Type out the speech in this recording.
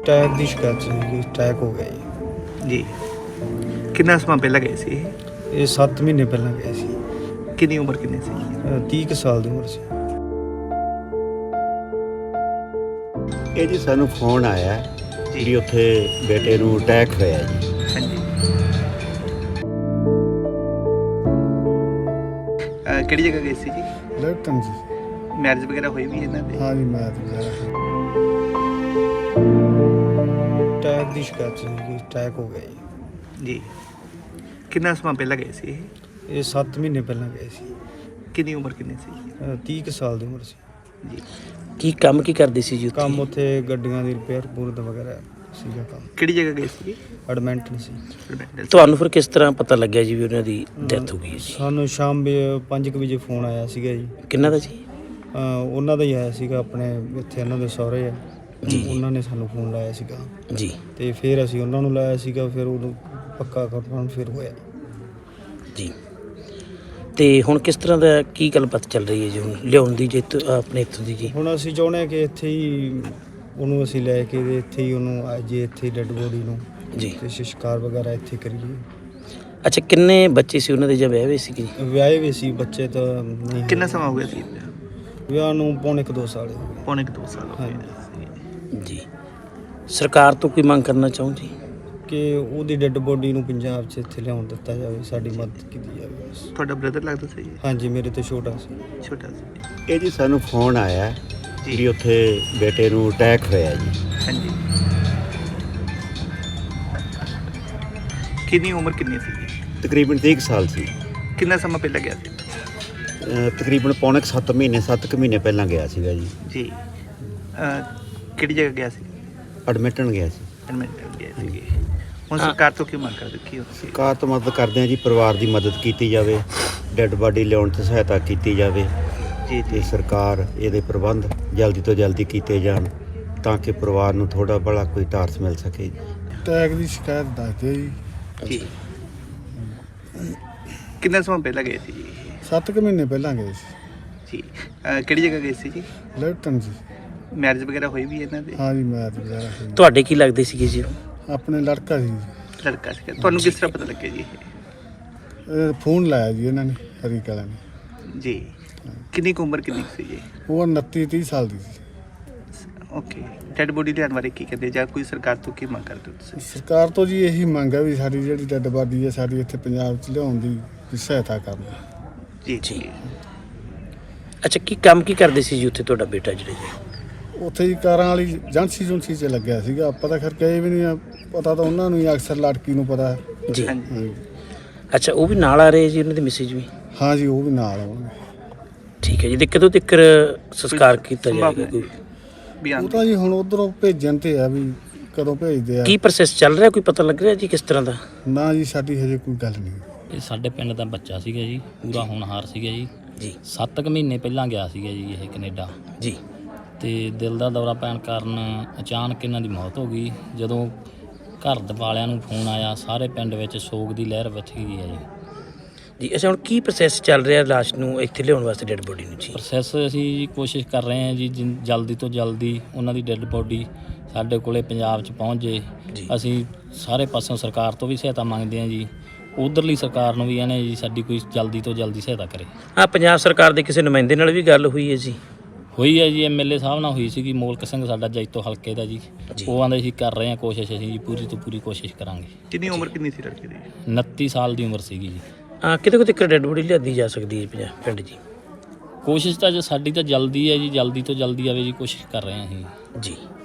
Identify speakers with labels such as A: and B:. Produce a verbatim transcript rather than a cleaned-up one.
A: Tag ਦੀ ਸ਼ਿਕਾਇਤ ਸੀ ਕਿ tag ਹੋ ਗਿਆ ਜੀ।
B: ਜੀ ਕਿੰਨਾ ਸਮਾਂ ਪਹਿਲਾਂ ਗਏ ਸੀ ਇਹ?
A: ਇਹ ਸੱਤ ਮਹੀਨੇ ਪਹਿਲਾਂ ਗਿਆ ਸੀ।
B: ਕਿੰਨੀ ਉਮਰ ਕਿੰਨੀ ਸੀ?
A: ਅ, ਤੀਹ ਕੁ ਸਾਲ ਦੀ ਉਮਰ ਸੀ।
C: ਇਹ ਜੀ ਸਾਨੂੰ ਫੋਨ ਆਇਆ
B: ਜੀ।
C: ਵੀ ਉੱਥੇ ਬੇਟੇ ਨੂੰ ਅਟੈਕ ਹੋਇਆ ਜੀ।
B: ਹਾਂਜੀ ਅਹ ਕਿਹੜੀ ਜਗ੍ਹਾ ਗਏ ਸੀ ਜੀ?
A: ਲੈਟਨ ਜੀ।
B: ਮੈਰਿਜ ਵਗੈਰਾ ਹੋਈ ਵੀ ਇਹਨਾਂ ਦੇ?
A: ਹਾਂ ਜੀ, ਮੈਂ ਤਾਂ ਟੈਗ ਦੀ ਸ਼ਿਕਾਇਤ ਸੀ ਕਿ ਟੈਗ ਹੋ ਗਿਆ ਜੀ।
B: ਜੀ ਕਿੰਨਾ ਸਮਾਂ ਪਹਿਲਾਂ ਗਏ ਸੀ ਇਹ?
A: ਇਹ ਸੱਤ ਮਹੀਨੇ ਪਹਿਲਾਂ ਗਏ ਸੀ।
B: ਕਿੰਨੀ ਉਮਰ ਕਿੰਨੀ ਸੀ?
A: ਅ, ਤੀਹ ਕੁ ਸਾਲ ਦੀ ਉਮਰ ਸੀ।
B: ਜੀ
D: ਕੀ ਕੰਮ ਕੀ ਕਰਦੇ ਸੀ ਜੀ ਉੱਥੇ?
A: ਕੰਮ ਉੱਥੇ ਗੱਡੀਆਂ ਦੀ ਰਿਪੇਅਰ ਪੂਰਤ ਵਗੈਰਾ ਸੀਗਾ ਕੰਮ।
B: ਕਿਹੜੀ ਜਗ੍ਹਾ ਗਏ ਸੀ?
A: ਐਡਮੈਂਟਨ ਸੀ।
D: ਤੁਹਾਨੂੰ ਫਿਰ ਕਿਸ ਤਰ੍ਹਾਂ ਪਤਾ ਲੱਗਿਆ ਜੀ ਵੀ ਉਹਨਾਂ ਦੀ ਡੈਥ ਹੋ ਗਈ ਹੈ ਜੀ?
A: ਸਾਨੂੰ ਸ਼ਾਮ ਪੰਜ ਕੁ ਵਜੇ ਫੋਨ ਆਇਆ ਸੀਗਾ ਜੀ।
D: ਕਿੰਨਾ ਦਾ ਜੀ?
A: ਅ, ਉਹਨਾਂ ਦਾ ਹੀ ਆਇਆ ਸੀਗਾ, ਆਪਣੇ ਇੱਥੇ ਉਹਨਾਂ ਦੇ ਸਹੁਰੇ ਆ
D: ਜੀ।
A: ਉਹਨਾਂ ਨੇ ਸਾਨੂੰ ਫੋਨ ਲਾਇਆ ਸੀਗਾ
D: ਜੀ
A: ਤੇ ਫਿਰ ਅਸੀਂ ਉਹਨਾਂ ਨੂੰ ਲਾਇਆ ਸੀਗਾ, ਫਿਰ ਉਹਨੂੰ ਪੱਕਾ ਕਰਨ ਫਿਰ ਹੋਇਆ
D: ਜੀ। ਤੇ ਹੁਣ ਕਿਸ ਤਰ੍ਹਾਂ ਦਾ ਕੀ ਗੱਲਬਾਤ ਚੱਲ ਰਹੀ ਹੈ ਜੀ ਹੁਣ ਲਿਆਉਣ ਦੀ ਜੇ ਆਪਣੇ ਇੱਥੋਂ ਦੀ ਜੀ?
A: ਹੁਣ ਅਸੀਂ ਚਾਹੁੰਦੇ ਹਾਂ ਕਿ ਇੱਥੇ ਹੀ ਉਹਨੂੰ ਅਸੀਂ ਲੈ ਕੇ ਤੇ ਇੱਥੇ ਹੀ ਉਹਨੂੰ ਅੱਜ ਇੱਥੇ ਡੈੱਡ ਬੋਡੀ ਨੂੰ
D: ਜੀ
A: ਤੇ ਸੰਸਕਾਰ ਵਗੈਰਾ ਇੱਥੇ ਕਰੀਏ।
D: ਅੱਛਾ, ਕਿੰਨੇ ਬੱਚੇ ਸੀ ਉਹਨਾਂ ਦੇ ਜਾਂ ਵਿਆਹ ਹੋਏ ਸੀ ਜੀ?
A: ਵਿਆਹੇ ਵੀ ਸੀ ਬੱਚੇ ਤਾਂ ਨਹੀਂ।
B: ਕਿੰਨਾ ਸਮਾਂ ਹੋ ਗਿਆ ਸੀ?
A: ਵਿਆਹ ਨੂੰ ਪੌਣੇ ਕੁ ਦੋ ਸਾਲ ਹੋ ਗਏ।
B: ਪੌਣੇ ਕੁ ਦੋ ਸਾਲ ਹੋ ਗਏ
A: ਹਾਂਜੀ।
D: ਜੀ ਸਰਕਾਰ ਤੋਂ ਕੀ ਮੰਗ ਕਰਨਾ ਚਾਹੋ ਜੀ?
A: ਕਿ ਉਹਦੀ ਡੈੱਡ ਬੋਡੀ ਨੂੰ ਪੰਜਾਬ 'ਚ ਇੱਥੇ ਲਿਆਉਣ ਦਿੱਤਾ ਜਾਵੇ, ਸਾਡੀ ਮਦਦ ਕੀਤੀ ਜਾਵੇ ਬਸ।
B: ਤੁਹਾਡਾ ਬ੍ਰਦਰ ਲੱਗਦਾ ਸੀ?
A: ਹਾਂਜੀ, ਮੇਰੇ ਤੋਂ ਛੋਟਾ ਸੀ।
B: ਛੋਟਾ ਸੀ।
C: ਇਹ ਜੀ ਸਾਨੂੰ ਫੋਨ ਆਇਆ
B: ਜੀ।
C: ਵੀ ਉੱਥੇ ਬੇਟੇ ਨੂੰ ਅਟੈਕ ਹੋਇਆ ਜੀ।
B: ਹਾਂਜੀ ਕਿੰਨੀ ਉਮਰ ਕਿੰਨੀ ਸੀ?
C: ਤਕਰੀਬਨ ਤੀਹ ਕੁ ਸਾਲ ਸੀ।
B: ਕਿੰਨਾ ਸਮਾਂ ਪਹਿਲਾਂ ਗਿਆ ਸੀ?
C: ਅ, ਤਕਰੀਬਨ ਪੌਣੇ ਕੁ ਸੱਤ ਮਹੀਨੇ ਸੱਤ ਕੁ ਮਹੀਨੇ ਪਹਿਲਾਂ ਗਿਆ ਸੀਗਾ ਜੀ।
B: ਜੀ ਅਹ ਕਿਹੜੀ ਜਗ੍ਹਾ ਗਿਆ ਸੀ?
C: ਐਡਮਿਟਣ ਗਿਆ ਸੀ।
B: ਐਡਮਿਟ ਗਿਆ ਸੀ। ਹੁਣ ਸਰਕਾਰ ਤੋਂ ਕੀ ਮੰਗ ਕਰਦੇ ਕੀ ਹੋ ਤੁਸੀਂ?
C: ਸਰਕਾਰ ਤੋਂ ਮਦਦ ਕਰਦੇ ਹਾਂ ਜੀ, ਪਰਿਵਾਰ ਦੀ ਮਦਦ ਕੀਤੀ ਜਾਵੇ, ਡੈੱਡ ਬਾਡੀ ਲਿਆਉਣ 'ਚ ਸਹਾਇਤਾ ਕੀਤੀ ਜਾਵੇ
B: ਜੀ
C: ਤੇ
B: ਜੀ
C: ਸਰਕਾਰ ਇਹਦੇ ਪ੍ਰਬੰਧ ਜਲਦੀ ਤੋਂ ਜਲਦੀ ਕੀਤੇ ਜਾਣ ਤਾਂ ਕਿ ਪਰਿਵਾਰ ਨੂੰ ਥੋੜ੍ਹਾ ਬੜਾ ਕੋਈ ਟਾਰਸ ਮਿਲ ਸਕੇ।
A: ਟੈਗ ਦੀ ਸ਼ਿਕਾਇਤ ਦੱਸਦੇ ਜੀ।
B: ਜੀ ਕਿੰਨਾ ਸਮਾਂ ਪਹਿਲਾਂ ਗਏ ਸੀ ਜੀ?
A: ਸੱਤ ਕੁ ਮਹੀਨੇ ਪਹਿਲਾਂ ਗਏ ਸੀ।
B: ਜੀ ਅਹ ਕਿਹੜੀ ਜਗ੍ਹਾ ਗਏ ਸੀ ਜੀ?
A: ਲੈਟਨ ਜੀ।
B: ਮੈਰਿਜ ਵਗੈਰਾ ਹੋਈ ਵੀ ਇਹਨਾਂ ਦੇ?
A: ਹਾਂ ਜੀ, ਮੈਂ ਤਾਂ ਵਗੈਰਾ ਸੀ।
D: ਤੁਹਾਡੇ ਕੀ ਲੱਗਦੇ ਸੀਗੇ ਜੀ ਉਹ?
A: ਆਪਣੇ ਲੜਕਾ ਸੀ ਜੀ।
B: ਲੜਕਾ ਸੀ। ਤੁਹਾਨੂੰ ਕਿਸ ਤਰ੍ਹਾਂ ਪਤਾ ਲੱਗਿਆ ਜੀ ਇਹ?
A: ਇਹ ਫੋਨ ਲਾਇਆ ਜੀ ਇਹਨਾਂ ਨੇ, ਹਰੀ ਕਲਾ ਨੇ।
B: ਜੀ ਕਿੰਨੀ ਕੁ ਉਮਰ ਕਿੰਨੀ ਕੁ ਸੀ ਜੀ?
A: ਉਹ ਉਨੱਤੀ ਤੀਹ ਸਾਲ ਦੀ ਸੀ।
B: ਓਕੇ ਡੈਡ ਬੋਡੀ ਲਿਆਉਣ ਬਾਰੇ ਕੀ ਕਹਿੰਦੇ ਜਾਂ ਕੋਈ ਸਰਕਾਰ ਤੋਂ ਕੀ ਮੰਗ ਕਰਦੇ ਹੋ ਤੁਸੀਂ?
A: ਸਰਕਾਰ ਤੋਂ ਜੀ ਇਹੀ ਮੰਗ ਹੈ ਵੀ ਸਾਡੀ ਜਿਹੜੀ ਡੈੱਡ ਬਾਡੀ ਹੈ ਸਾਡੀ ਇੱਥੇ ਪੰਜਾਬ 'ਚ ਲਿਆਉਣ ਦੀ ਵੀ ਸਹਾਇਤਾ ਕਰਨ।
B: ਜੀ ਜੀ
D: ਅੱਛਾ, ਕੀ ਕੰਮ ਕੀ ਕਰਦੇ ਸੀ ਜੀ ਉੱਥੇ ਤੁਹਾਡਾ ਬੇਟਾ ਜਿਹੜਾ ਜੀ?
A: ਉੱਥੇ ਹੀ ਕਾਰਾਂ ਵਾਲੀ ਏਜੰਸੀ ਏਜੰਸੀ 'ਚ ਲੱਗਿਆ ਸੀਗਾ। ਆਪਾਂ ਤਾਂ ਖੈਰ ਗਏ ਵੀ ਨਹੀਂ ਆ, ਪਤਾ ਤਾਂ ਉਹਨਾਂ ਨੂੰ ਹੀ ਅਕਸਰ ਲੜਕੀ ਨੂੰ ਪਤਾ ਹੈ।
D: ਜੀ
B: ਹਾਂਜੀ
A: ਹਾਂਜੀ।
D: ਅੱਛਾ, ਉਹ ਵੀ ਨਾਲ ਆ ਰਹੇ ਜੀ ਉਹਨਾਂ ਦੇ ਮੈਸੇਜ ਵੀ?
A: ਹਾਂ ਜੀ, ਉਹ ਵੀ ਨਾਲ ਆਉਣਗੇ।
D: ਠੀਕ ਹੈ ਜੀ। ਤੇ ਕਦੋਂ ਤੱਕ ਸੰਸਕਾਰ ਕੀਤਾ ਜਾਏਗਾ ਕੋਈ?
B: ਬਿਆਨ
A: ਉਹ ਤਾਂ ਜੀ ਹੁਣ ਉਧਰੋਂ ਭੇਜਣ ਤੇ ਆ ਵੀ ਕਦੋਂ ਭੇਜਦੇ ਆ।
D: ਕੀ ਪ੍ਰੋਸੈਸ ਚੱਲ ਰਿਹਾ, ਕੋਈ ਪਤਾ ਲੱਗ ਰਿਹਾ ਜੀ ਕਿਸ ਤਰ੍ਹਾਂ ਦਾ?
A: ਨਾ ਜੀ, ਸਾਡੀ ਹਜੇ ਕੋਈ ਗੱਲ ਨਹੀਂ।
E: ਇਹ ਸਾਡੇ ਪਿੰਡ ਦਾ ਬੱਚਾ ਸੀਗਾ ਜੀ, ਪੂਰਾ ਹੋਣਹਾਰ ਸੀਗਾ ਜੀ।
D: ਜੀ
E: ਸੱਤ ਕੁ ਮਹੀਨੇ ਪਹਿਲਾਂ ਗਿਆ ਸੀਗਾ ਜੀ ਇਹ ਕੈਨੇਡਾ,
D: ਜੀ
E: ਤੇ ਦਿਲ ਦਾ ਦੌਰਾ ਪੈਣ ਕਾਰਨ ਅਚਾਨਕ ਇਹਨਾਂ ਦੀ ਮੌਤ ਹੋ ਗਈ। ਜਦੋਂ ਘਰ ਦੇ ਵਾਲਿਆਂ ਨੂੰ ਫੋਨ ਆਇਆ, ਸਾਰੇ ਪਿੰਡ ਵਿੱਚ ਸੋਗ ਦੀ ਲਹਿਰ ਵਿੱਚ ਗਈ ਹੈ ਜੀ।
D: ਜੀ ਅੱਛਾ, ਹੁਣ ਕੀ ਪ੍ਰੋਸੈਸ ਚੱਲ ਰਿਹਾ ਲਾਸ਼ ਨੂੰ ਇੱਥੇ ਲਿਆਉਣ ਵਾਸਤੇ, ਡੈਡ ਬੋਡੀ ਨੂੰ ਜੀ?
E: ਪ੍ਰੋਸੈਸ ਅਸੀਂ ਜੀ ਕੋਸ਼ਿਸ਼ ਕਰ ਰਹੇ ਹਾਂ ਜੀ ਜਿਨ- ਜਲਦੀ ਤੋਂ ਜਲਦੀ ਉਹਨਾਂ ਦੀ ਡੈੱਡ ਬੋਡੀ ਸਾਡੇ ਕੋਲੇ ਪੰਜਾਬ 'ਚ ਪਹੁੰਚ ਜੇ।
D: ਜੀ।
E: ਅਸੀਂ ਸਾਰੇ ਪਾਸੋਂ ਸਰਕਾਰ ਤੋਂ ਵੀ ਸਹਾਇਤਾ ਮੰਗਦੇ ਹਾਂ ਜੀ, ਉਧਰਲੀ ਸਰਕਾਰ ਨੂੰ ਵੀ ਇਹਨੇ ਜੀ ਸਾਡੀ ਕੋਈ ਜਲਦੀ ਤੋਂ ਜਲਦੀ ਸਹਾਇਤਾ ਕਰੇ।
D: ਆ ਪੰਜਾਬ ਸਰਕਾਰ ਦੇ ਕਿਸੇ ਨੁਮਾਇੰਦੇ ਨਾਲ ਵੀ ਗੱਲ ਹੋਈ ਹੈ ਜੀ?
E: ਹੋਈ ਹੈ ਜੀ, ਐਮਐਲਏ ਸਾਹਿਬ ਨਾਲ ਹੋਈ ਸੀਗੀ, ਮੋਲਕ ਸਿੰਘ ਸਾਡਾ ਜੈਤੋ ਹਲਕੇ ਦਾ ਜੀ।
D: ਜੀ।
E: ਉਹ ਆਂਦੇ ਸੀ ਕਰ ਰਹੇ ਹਾਂ ਕੋਸ਼ਿਸ਼, ਅਸੀਂ ਜੀ ਪੂਰੀ ਤੋਂ ਪੂਰੀ ਕੋਸ਼ਿਸ਼ ਕਰਾਂਗੇ।
B: ਕਿੰਨੀ ਉਮਰ ਕਿੰਨੀ ਸੀ ਲੜਕੇ ਦੀ?
E: ਉਨੱਤੀ ਸਾਲ ਦੀ ਉਮਰ ਸੀਗੀ ਜੀ।
D: ਆ ਕਿਤੇ ਕਿਤੇ ਤੱਕ ਡੈਡ ਬੋਡੀ ਲਿਆਦੀ ਜਾ ਸਕਦੀ ਹੈ ਪੰਜਾਬ ਪਿੰਡ ਜੀ?
E: ਕੋਸ਼ਿਸ਼ ਤਾਂ ਜੀ ਸਾਡੀ ਤਾਂ ਜਲਦੀ ਹੈ ਜੀ, ਜਲਦੀ ਤੋਂ ਜਲਦੀ ਆਵੇ ਜੀ, ਕੋਸ਼ਿਸ਼ ਕਰ ਰਹੇ ਹਾਂ ਅਸੀਂ।
D: ਜੀ